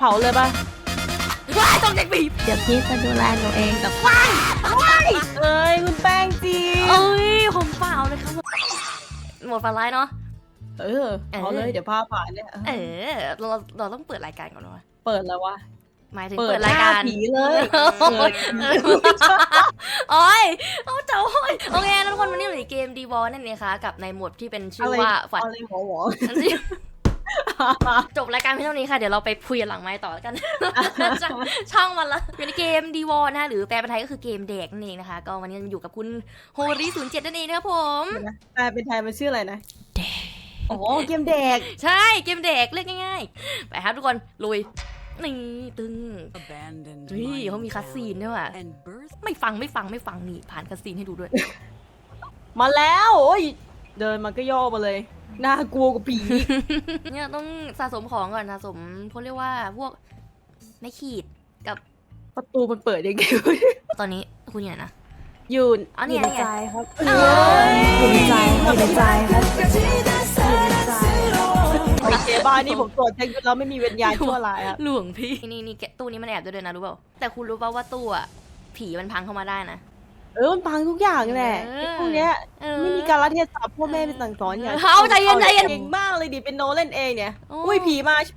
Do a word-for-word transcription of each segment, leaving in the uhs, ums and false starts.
ผาเลยปะว้ายต้องเด็กบีบเดี๋ยวพี่จะดูแลหนูเองแต่ว้ายว้ายเอ้ยคุณแป้งจีเอ้ยผมเปล่าเลยครับหมดฝันร้ายเนาะเออเอาเลยเดี๋ยวพาผ่านเนี่ยเออเราเราต้องเปิดรายการก่อนวะเปิดแล้ววะหมายถึงเปิดรายการผีเลยโอ้ยเอาเจ้าโอ้ยโอเคทุกคนวันนี้อยู่ในเกมดีวอลนั่นเองค่ะกับในโหมดที่เป็นชื่อว่าฝันหัวหัวจบรายการเพียงเท่านี้ค่ะเดี๋ยวเราไปคุยหลังไมค์ต่อกันช่องมันละอยู่ในเกมดีวอลนะหรือแปลเป็นไทยก็คือเกมเด็กนั่นเองนะคะก็วันนี้อยู่กับคุณโฮริศูนย์เจ็ดนั่นเองนะครับผมแปลเป็นไทยมันชื่ออะไรนะเด็กโอ้เกมเด็กใช่เกมเด็กเรียกง่ายๆไปครับทุกคนลุยนี่ตึงเฮ้ยเขามีคัสซีนด้วยว่ะไม่ฟังไม่ฟังไม่ฟังนี่ผ่านคัสซีนให้ดูด้วยมาแล้วโอ้ยเดินมันก็ย่อมาเลยน่ากลัวกว่าผีเนี่ยต้องสะสมของก่อนสะสมเขาเรียกว่าพวกไม่ขีดกับประตูมันเปิดยังไงตอนนี้คุณอยู่ไหนนะอยู่อยู่ในใจครับอยู่ในใจอยู่ในใจครับโอเคบ้านนี่ผมตรวจเช็คแล้วไม่มีวิญญาณชั่วร้ายอะหลวงพี่นี่นี่ตู้นี้มันแอบด้วยนะรู้เปล่าแต่คุณรู้เปล่าว่าตู้อะผีมันพังเข้ามาได้นะเออมันพังทุกอย่างแหละพวกเนี้ยไม่มีการละเทศะพ่อแม่เป็นสั่งสอนอย่างเขาใจเย็นใจเย็นเก่งมากเลยดิเป็นโนเล่นเองเนี่ยอุ้ยผีมา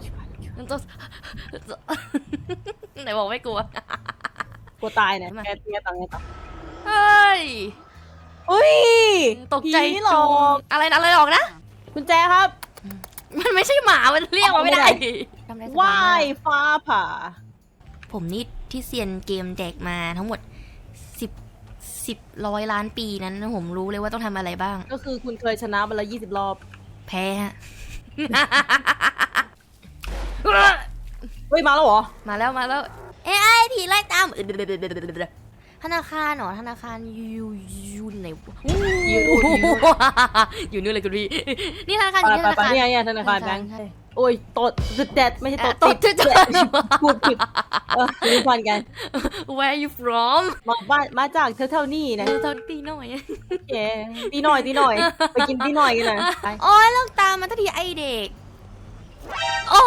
ไหนบอกไม่กลัวกลัวตายเนี่ยแกเตี้ยต่างไงต่อเฮ้ยอุ้ยตกใจหรออะไรอะไรหรอกนะคุณแจครับมันไม่ใช่หมามันเรียกมาไม่ได้ว่ายฟ้าผ่าผมนี่ที่เซียนเกมเด็กมาทั้งหมดสิบสิบร้อยล้านปีนั้นผมรู้เลยว่าต้องทำอะไรบ้างก็คือคุณเคยชนะมาแล้วยี่สิบรอบแพ้ฮะเฮ้ยมาแล้วเหรอมาแล้วมาแล้วเอ้ยผีไล่ตามธนาคารหรอธนาคารยูยูไหนอยู่นู่นเลยคุณพี่นี่ธนาคารอยู่ที่ธนาคารเนี่ยธนาคารแบงค์โอ้ยตดจุดเด็ดไม่ใช่ตดติดพูดผิดเออรู้พันกัน Where you from มาบ้านมาจากเท่าๆนี่นะเท่าตีหน่อยโอเคตีหน่อยตีหน่อยไปกินตีหน่อยกันนะโอ้ยเลิกตามมาทันทีไอเด็กโอ้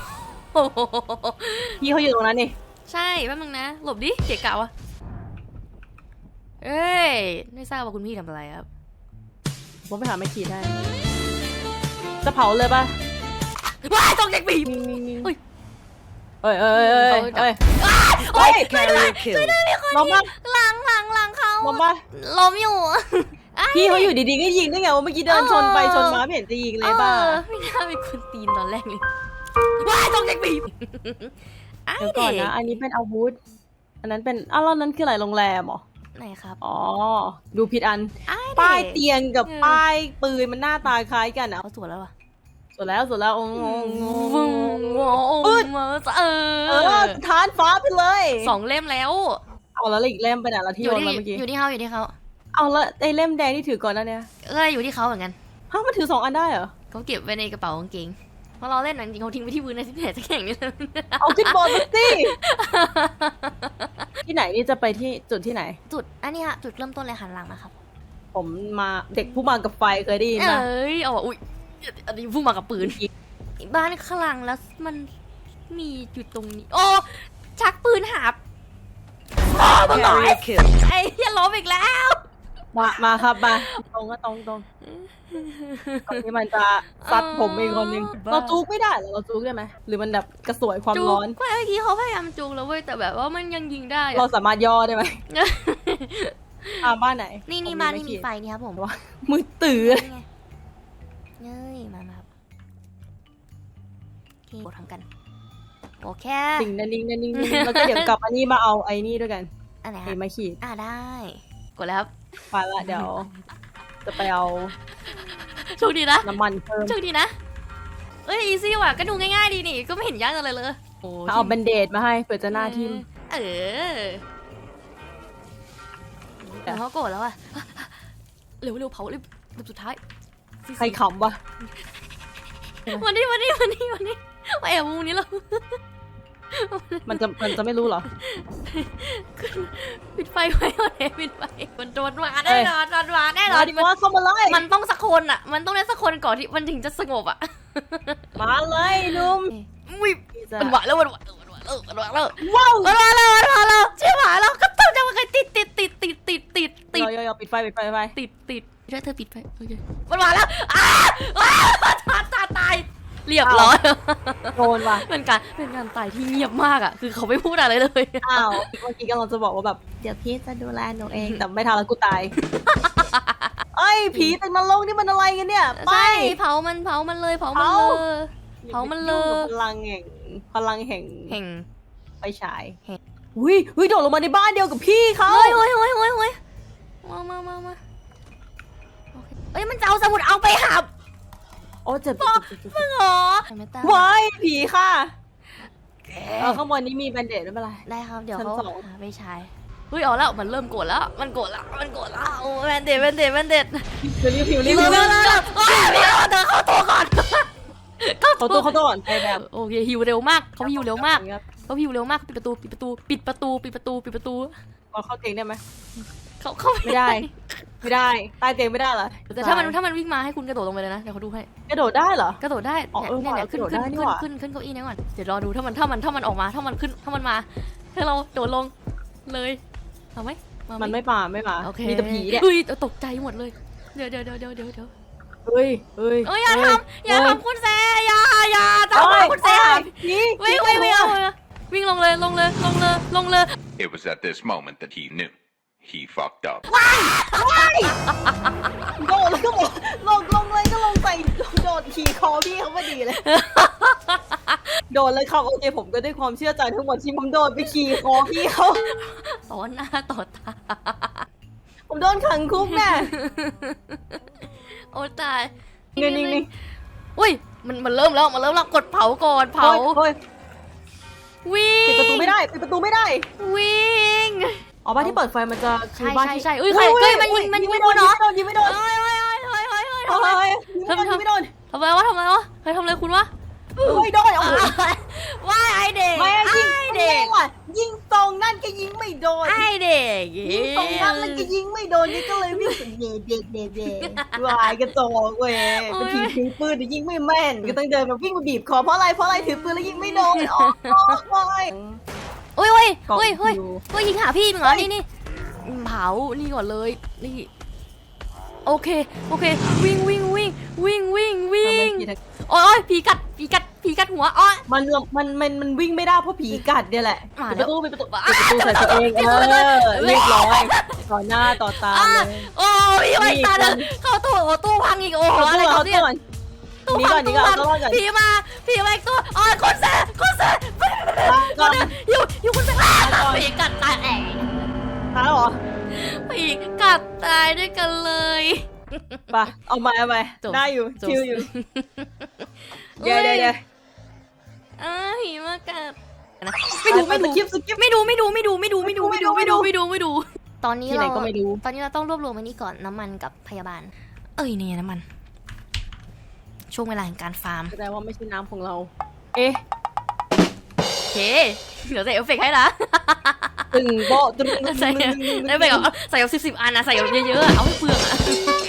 พี่เขาอยู่ตรงนั้นนี่ใช่แป๊บนึงนะหลบดิเกะกะวะเอ้ยไม่ทราบว่าคุณพี่ทำอะไรครับผมไปหาไม่ขีดได้จะเผาเลยป่ะว้ายต้องเด็กบีบเฮ้ยเฮ้ยเฮ้ยเฮ้ยเฮ้ยโอ้ยช่วยด้วยช่วยด้วยมีคนยิงหลังหลังหลังเขาล้มป่ะล้มอยู่พี่เขาอยู่ดีๆก็ยิงได้ไงว่าเมื่อกี้เดินชนไปชนมาไม่เห็นจะยิงเลยป่ะไม่น่าเป็นคนตีนตอนแรกเลยว้ายต้องเด็กบีบเดี๋ยวก่อนนะอันนี้เป็นอาวุธอันนั้นเป็นอ้าวแล้วนั้นคืออะไรโรงแรมหรอไหนครับอ๋อดูผิดอันป้ายเตียงกับป้ายปืนมันหน้าตาคล้ายกันอ่ะเขาสวยแล้ววะสวยแล้วสวยแล้วโอ้โหปืนเออทานฟ้าไปเลยสองเล่มแล้วเอาแล้วอีกเล่มไปไหนละที่โยนมาเมื่อกี้อยู่ที่เขาอยู่ที่เขาเอาแล้วไอ้เล่มแดงที่ถือก่อนนั่นเนี่ยเอออยู่ที่เขาเหมือนกันฮะมันถือสองอันได้เหรอเขาเก็บไว้ในกระเป๋ากางเกงเพราะเราเล่นหนังจริงเขาทิ้งไว้ที่พื้นในที่ไหนสักแห่งนี่เลยเอาขึ้นบนมาสิที่ไหนนี่จะไปที่จุดที่ไหนจุดอันนี้ฮะจุดเริ่มต้นเลยหันหลังนะครับผมมาเด็กผู้มากับไฟเคยได้ยินไหมเอ้ยเอาอุ้ยอันนี้ผู้มากับปืนบ้านข้างหลังแล้วมันมีจุดตรงนี้โอ้ชักปืนหาบตรงไหนไอ้เหี้ยล้มอีกแล้วมามาครับมาตรงก็ตรงตรงตรงที่มันจะซัดผมอีกคนนึงเราจูกไม่ได้หรอเราจูกได้ไหมหรือมันแบบกระสวยความร้อนก็เมื่อกี้เขาพยายามจูกแล้วเว้ยแต่แบบว่ามันยังยิงได้เราสามารถย่อได้ไหมอ่าบ้านไหนนี่นี่บ้านนี่มีไฟนี่ครับผมว่ามือตื่นเฮ้ยมาครับโอเคทำกันโอเคนิ่งนิ่งนิ่งแล้วก็เดี๋ยวกลับอันนี้มาเอาไอ้นี่ด้วยกันอะไรไอ้ไม้ขีดอ่าได้กดแล้วครับไปละเดี๋ยวจะไปเอาโชคดีนะน้ำมันเพิ่มโชคดีนะเอ้ยอีซี่ว่ะก็ดูง่ายๆดีนี่ก็ไม่เห็นยากอะไรเลยเอาแบนเดดมาให้เผื่อจะหน้าทิ่มเออแต่เขาโกรธแล้วอ่ะเร็วเร็วเผาเลยสุดท้ายใครขำวะวันนี้วันนี้วันนี้วันนี้มาแอบมุมนี้แล้วมันจะมันจะไม่รู้เหรอปิดไฟไว้ก่อนเลยปิดไฟมันโดนมาแน่นอนโดนมาแน่นอนมันเข้ามาเลยมันต้องสักคนอ่ะมันต้องได้สักคนก่อนที่มันถึงจะสงบอ่ะมาเลยนุ่มวิบจะจะมันหวานแล้วมันหวานแล้วมันหวานแล้วมันหวานแล้วว้าวมันหวานแล้วมันหวานแล้วใช่หวานแล้วก็ต้องจะมาใครติดติดติดติดติดติดติดยอยปิดไฟปิดไฟปิดไฟติดติดช่วยเธอปิดไฟโอเคมันหวานแล้วอ้าอ้าตายตายตายเรียบร้อยโดนว่ะเป็นการเป็นการตายที่เงียบมากอ่ะคือเขาไม่พูดอะไรเลยอ้าวเมื่อกี้กำลังจะบอกว่าแบบเดี๋ยวพี่จะดูแลหนูเองแต่ไม่ทันแล้วกูตายไอ้ผีตึกนรกนี่มันอะไรกันเนี่ยไปใช่เผามันเผามันเลยเผามันเลย เผามันเลยพลังแห่งพลังแห่งแห่งไฟฉายแห่งอุ้ยอุ้ยโดดลงมาในบ้านเดียวกับพี่เขาเฮ้ยเฮ้ยเฮ้ยเฮ้ยเฮ้ยมามามามาโอเคเอ้ยมันจะเอาสมุดเอาไปหับโอ้เจ็บมึงเหรอไม่ตามว้ายผีค่ะแกเออข้างบนนี้มีแบนเดดไม่เป็นไรได้ครับเดี๋ยวชั้นเขาสองหาไปใช้เฮ้ยเอาแล้วมันเริ่มโกรธแล้วมันโกรธแล้วมันโกรธแล้วโอ้แมนเด็ดแมนเด็ดแมนเด็ดเดี๋ยวนี้ผิวรีบเร็วเร็วเร็วเร็วเฮ้ยพี่เอาเธอเข้าตัวก่อนเขาตัวเขาตัวก่อนไปแบบโอเคฮิวเร็วมากเขาฮิวเร็วมากเขาฮิวเร็วมากปิดประตูปิดประตูปิดประตูปิดประตูปิดประตูพอเข้าเตียงได้ไหมเขาเขาไม่ได้ ไม่ได้ใต้เตียงไม่ได้เหรอแต่ถ้ามันถ้ามันวิ่งมาให้คุณกระโดดลงไปเลยนะเดี๋ยวเขาดูให้กระโดดได้เหรอกระโดดได้อ๋อเออเนี่ยเนี่ยขึ้นกระโดดขึ้นได้นี่ขึ้นหว่าขึ้นขึ้นเก้าอี้นี้ก่อนเดี๋ยวรอดูถ้ามันถ้ามันถ้ามันออกมาถ้ามันขึ้นถ้ามันมาให้เราโดดลงเลยเอาไหมาหมันไม่มาไม่มาโอเคมีแต่ผีเนี่ยเฮ้ยตกใจหมดเลยเดี๋ยวเดี๋ยวเดี๋ยวเดี๋ยวเดี๋ยวเดี๋ยวเฮ้ยเฮ้ยเอ้ยอย่าทำอย่าทำคุณแซอย่าอย่าทำเฮ้ยคุณแซผีวิ่งวิ่งวิ่งเอาวิ่งลงเลยลงเลยลงเลยลงเลย It was at this moment that he knew. He fucked up. โดดแล้วก็บอกลงลงเลยก็ลงใส่โดดขี่คอพี่เขาพอดีเลย โดดเลยครับโอเคผมก็ด้วยความเชื่อใจทั้งหมดที่ผมโดดไปขี่คอพี่เขาต่อหน้าต่อตาผมโดนขังคุกแน่โอ้ตายนี่นี่นี่อุ้ยมันมันเริ่มแล้วมันเริ่มแล้วกดเผาก่อนเผาเฮ้ยวิ่งปิดประตูไม่ได้ปิดประตูไม่ได้วิ่งอ๋อบ้านที่เปิดไฟมันจะใช่คือบ้านใช่ที่ใช่เอ้ยใครเอ้ยมันยิงมันยิงไม่ไม่โดโดนนเหรอยิงไม่โดนเฮ้ยเฮ้ยเฮ้ยเฮ้ยเฮ้ยเฮ้ยเฮ้ยยิงไม่โดนยิงไม่โดนทำอะไรวะทำอะไรวะใครทำอะไรคุณวะเฮ้ยโดนโอ้โหว่าไอเด็กไม่ยิงไอเด็กว่ะยิงตรงนั่นก็ยิงไม่โดนไอเด็กยิงตรงนั้นแล้วก็ยิงไม่โดนนี่ก็เลยวิ่งเด็ดเด็ดเด็ดเด็ดวายกระจอกเว้ยเป็นผีถือปืนแต่ยิงไม่แม่นก็ต้องเดินมาวิ่งมาบีบคอเพราะอะไรเพราะอะไรถือปืนแล้วยิงไม่โดนอ๋อวายเฮ้ยเฮ้ยเฮ้ยเฮ้ยเฮ้ยยิงหาพี่มึงเหรอนี่นี่เผานี่ก่อนเลยนี่โอเคโอเควิ่งวิ่งวิ่งวิ่งวิ่งวิ่งโอ้ยผีกัดผีกัดผีกัดหัวอ๋อมันมันมันมันวิ่งไม่ได้เพราะผีกัดเนี่ยแหละมาปิดแล้ปวระตูปิดประตูปิดประตูใส่ตัวเองเออเรียบร้อยต่อหน้าต่อตาเลยโอ้ยไอ้ตาเดินเข้าตู้ตู้พังอีกโอ้โหอะไรเขาเนี่ย ตู้นี่ก่อนนี่ก่อนเอาตัวรอดก่อนผีมาผีมาอีกตัวอ๋อคนแซ่คนแซ่ก่อนอยู่อยู่คนแซ่ผีกัดตายแอะตายแล้วเหรอผีกัดตายด้วยกันเลยไปเอามาเอาไปได้อยู่ชิวอยู่เดี๋ยวเดี๋ยวเดี๋ยวอ่าผีมากัดไม่ดูไม่ดูคลิปสกิปไม่ดูไม่ดูไม่ดูไม่ดูไม่ดูไม่ดูไม่ดูไม่ดูไม่ดู ตอนนี้ที่ไหนเราก็ไม่ดูตอนนี้เราต้องรวบรวมอันนี้ก่อนน้ำมันกับพยาบาล เอ้ยเนี่ยน้ำมัน ช่วงเวลาแห่งการฟาร์มแสดงว่าไม่ใช่น้ำของเรา เอ๊ะโอเค เดี๋ยวใส่เอฟเฟกต์ให้นะตึงโบตึงใส่เอฟเฟกต์เอาใส่เอาสิบสิบอันนะใส่เอาเยอะๆอะเอาให้เปลืองอะ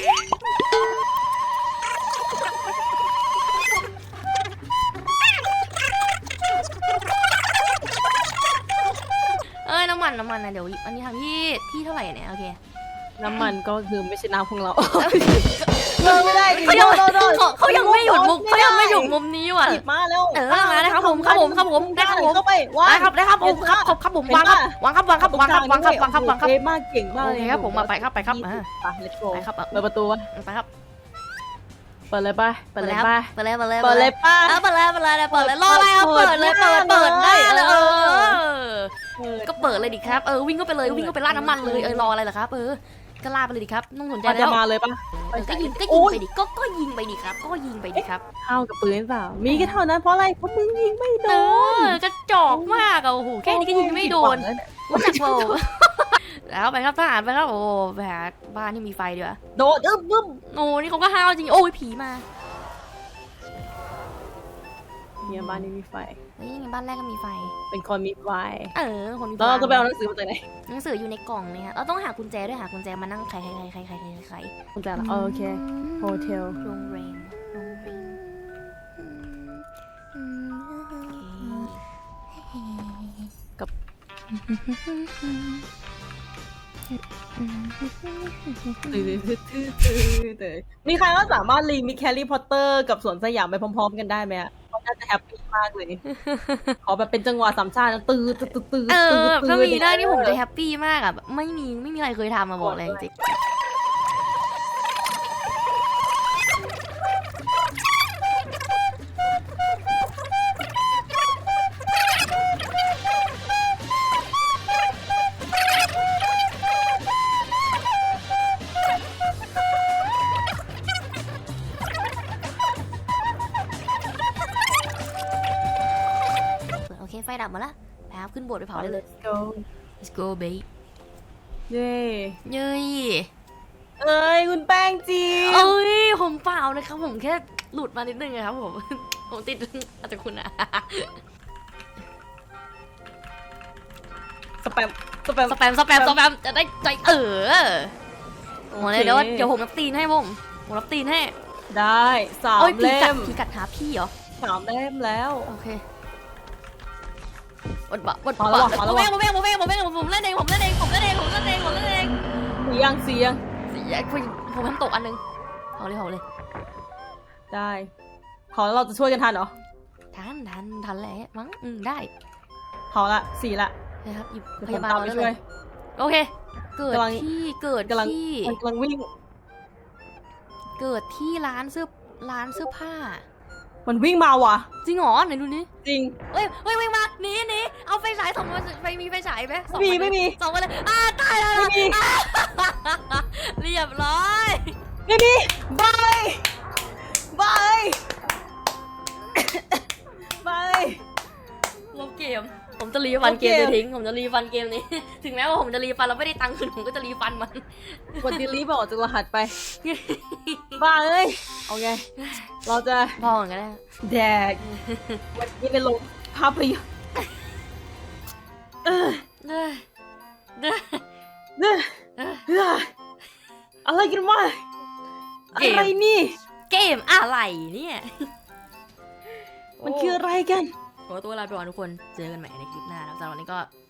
เอ้ยน้ำมันน้ำมันนะเดี๋ยวอันนี้ทำที่ที่เท่าไหร่เนี่ยโอเคน้ำมันก็คือไม่ใช่น้ำของเราเลิกไม่ได้ดิเขายังโดนโดนเขาเขายังไม่หยุดมุมเขายังไม่หยุดมุมนี้ว่ะหยิบมาแล้วเออมาได้ครับผมครับผมครับผมได้ครับผมเข้าไปวาได้งครับได้ครับผมครับครับครับผมวางครับวางครับวางครับวางครับวางครับวางครับวางครับเอ๊ะมากเก่งมากโอเลยเคครับผมมาไปครับไปครับอ่าไป let's go ไปครับเปิดประตูวะไปครับเปิดเลยป่ะเปิดเลยครับป่ะเปิดเลยเปิดเลยเปิดเลยป่ะเออเปิดเลยเปิดเลยเปิดเลยรออะไรอ่ะเปิดเลยเปิดเปิดได้เลยเออก็เปิดเลยดิครับเออวิ่งเข้าไปเลยวิ่งเข้าไปราดน้ำมันเลยเออรออะไรล่ะครับเออก็ลาดไปเลยดิครับต้องสนใจมันแล้จะวมาเลยป่ะก็ยิงก็ยิงไปดิก็ก็ยิงไปดิครับก็ยิงไปดิครับเข้ากับปืนเปล่ามีแค่เท่านั้นเพราะอะไรเพราะมึงยิงไม่โดเอน อกระจอกมากอ่ะโอ้โหแค่นี้ก็ยิงไม่โดนรู้จักเปล่าแล้วไปครับทหารไปครับโอ้แบบบ้านที่มีไฟดีกว่าโดดอึ้มบึ้มโอ้นี่เขาก็ห้าวจริงโอ้ยผีมาเนี่ยบ้านนี้มีไฟเฮ้ยบ้านแรกก็มีไฟเป็นคนมีไฟเออคนมีไฟแล้วเราจะไปเอาหนังสือมาจากไหนหนังสืออยู่ในกล่องเนี่ยเราต้องหากุญแจด้วยหากุญแจมานั่งไขไขไขไขไขไขคุณแจละโอเคโฮเทลโรงแรมโรงแรมมีใครว่าสามารถรีมิกแฮร์รี่พอตเตอร์กับสวนสยามไปพร้อมๆกันได้ไหมอะเขาน่าจะแฮปปี้มากเลย ขอแบบเป็นจังหวะสามชาตินะตื้อตื้อตื้อตื้อเอตื้ออถ้ามีได้นี่ผมจะแฮปปี้มากอ่ะแบบไม่มีไม่มีใครเคยทำมาบอกเลยจริงโอเคไฟดับหมดละไปครับขึ้นโบสถ์ไปเผาได้เลย go let's go babe เย้เย้ยเอ้ยคุณแป้งจีเอ้ยผมเปล่านะครับผมแค่หลุดมานิดนึงนะครับผม ผมติดอาจจะคุณอะสแปมสแปมสแปมสแปมสแปมจะได้ใจเออโอ้ยเดี๋ยวเดี๋ยวผมรับตีนให้ผมผมรับตีนให้ได้สามโอ้ยพี่เล่กัดมพี่กัดหาพี่เหรอสามเล่มแล้วโอเควัดบะวัดพอบะแล้ววะพอแล้วผมวะเองผมเองผมเองผมเองผมเล่นเองผมเล่นเองผมเล่นเองผมเล่นเองผมเล่นเองเสียงเสียงเสียผมผมทำตกอันนึงเอาเลยเอาเลยได้ขอแล้วเราจะช่วยกันทันเหรอทันทันทันแหละมั้งอืมได้ขอละสี่ละนะครับหยิบเดี๋ยวพผมยาบาลตามมาไปได้ช่เลวยยโอเค เกิดกำลังที่เกิดกำลังที่มันกำลังวิ่งเกิดที่ร้านเสื้อร้านเสื้อผ้ามันวิ่งมาว่ะจริงเหรอไหนดูนี่จริงเฮ้ยเฮ้ยวิ่งมาหนีหนีเอาไฟฉายส่องมาไปมีไฟฉายไหมส่องไม่มีาไม่มีส่องมาเลยอ่าตายแล้วไม่มีอ่าเรียบร้อยไม่มีบายบายบายลบเกม ผมจะรีฟันเกมลบเกมจะทิ้งผมจะรีฟันเกมนี้ ถึงแม้ว่าผมจะรีฟันแล้วไม่ได้ตังค์คืนผมก็จะรีฟันมันกดดีลีบอกจากรหัสไปบ้าเอ้ยโอเคเราจะพอเหมือนกันได้แดกวันนี้เป็นลงภาพยนตร์เออเด้อเด้อเออเด้อเอออะไรกันวะอะไรนี่เกมอะไรเนี่ยมันคืออะไรกันขอตัวลาไปก่อนทุกคน เจอกันใหม่ในคลิปหน้าแล้วสำหรับวันนี้ก็